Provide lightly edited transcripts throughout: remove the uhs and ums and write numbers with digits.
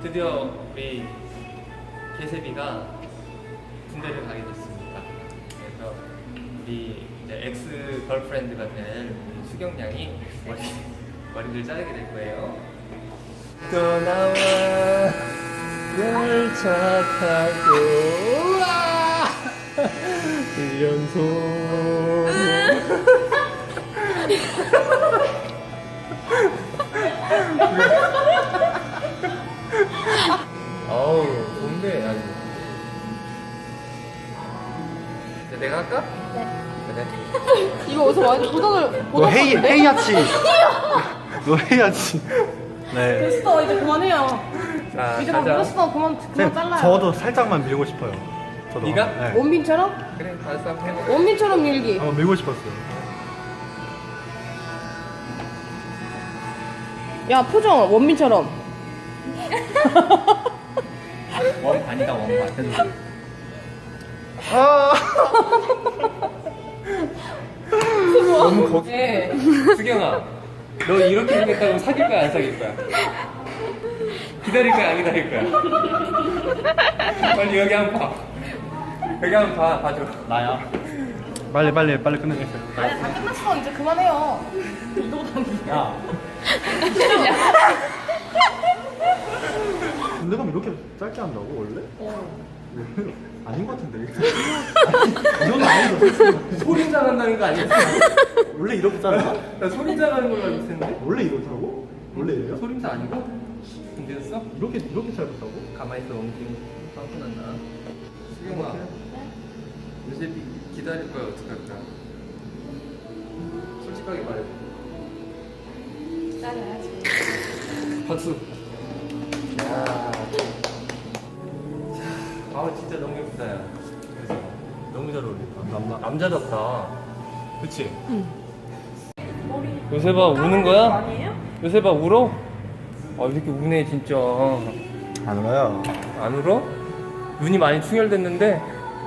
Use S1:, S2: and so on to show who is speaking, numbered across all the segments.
S1: 드디어 우리 개세비가 군대를 가게 됐습니다. 그래서 우리 이제 엑스 걸프렌드가 될 우리 수경 양이 머리를 자르게 될 거예요. 떠나와 열차 타고 우와 1년소 어우 좋은데 아주. 이제 내가 할까?
S2: 네.
S1: 그래.
S2: 이거 어디서 많이 보던
S3: 너 헤이아치. 너 헤이아치. 네.
S2: 됐어 이제 그만해요.
S1: 자
S2: 이제 다
S1: 가자.
S2: 밀었어 그만 잘라요.
S3: 저도 살짝만 밀고 싶어요. 저도.
S1: 네가?
S3: 네.
S2: 원빈처럼?
S1: 그래 알았어 한번 해봐.
S2: 원빈처럼 밀기.
S3: 한번 밀고 싶었어요.
S2: 야 표정 원빈처럼.
S1: 원반이다 원반.
S3: 아.
S1: 너무 거기.
S2: 네.
S1: 수경아, 너 이렇게 생겼다고 사귈 거야 안 사귈 거야? 기다릴 거야 안 기다릴 거야? 빨리 여기 한번 봐. 여기 한번 봐줘.
S3: 나야. 빨리 끝내주세요.
S2: 아니 다 끝났어 이제 그만해요. 이거 당기.
S3: 야. 군대가면 이렇게 짧게 한다고 원래? 아닌 것 같은데. 이건 아니죠.
S1: 소림장 한다는 거 아니었어?
S3: 원래 이렇게 짧아?
S1: 나 소림장 하는 걸로 알고 있었는데.
S3: 원래 이렇다고? 원래 이래요?
S1: 소림장 아니고? 군대였어?
S3: 이렇게 짧았다고?
S1: 가만히 있어 엉뚱 빵꾸 났나? 수경아, 요새 기다릴 거야 어떡할 거야? 솔직하게 말해.
S2: 잘라야지.
S1: 박수. 야. 아 진짜 너무 예쁘다 야. 그래서 너무 잘 어울린다. 남자답다. 그치?
S2: 응.
S1: 요새봐 우는 거야?
S2: 아니에요?
S1: 요새봐 울어? 아 이렇게 우네 진짜.
S3: 안 울어요.
S1: 안 울어? 눈이 많이 충혈됐는데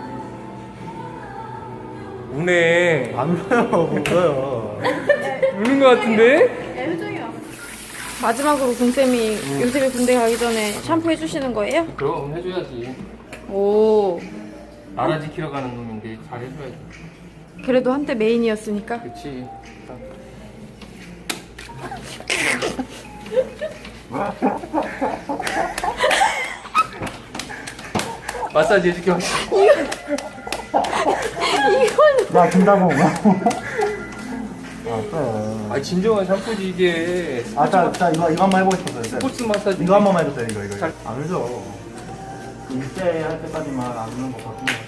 S1: 우네.
S3: 안 울어요. 못 울어요.
S1: 우는 거 같은데?
S2: 마지막으로 공쌤이 요셉이 군대 가기 전에 샴푸 해주시는 거예요?
S1: 그럼 해줘야지.
S2: 오.
S1: 나라 지키러 가는 놈인데 잘 해줘야지.
S2: 그래도 한때 메인이었으니까.
S1: 그치. 마사지 해줄게.
S3: 야, 준다고. 아, 그래.
S1: 아 진정한 샴푸지 이게.
S3: 자, 이거 한번 해보고 싶었어요.
S1: 스포츠 마사지.
S3: 이거 한 번만 해주세요, 이거.
S1: 잘-
S3: 안 울죠. 일제 할 때까지만 안 우는 거 같은데.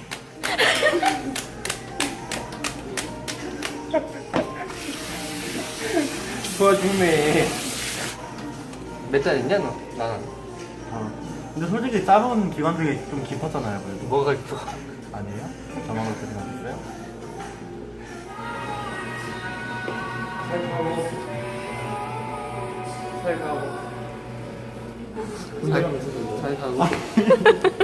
S1: 도와주네. 몇 달 있냐 너? 나는.
S3: 근데 솔직히 짧은 기간 중에 좀 깊었잖아요, 그래도.
S1: 뭐가 있어?
S3: 아니에요? 저만 그렇게 생각했어요?
S1: 잘 가고. 잘 가고.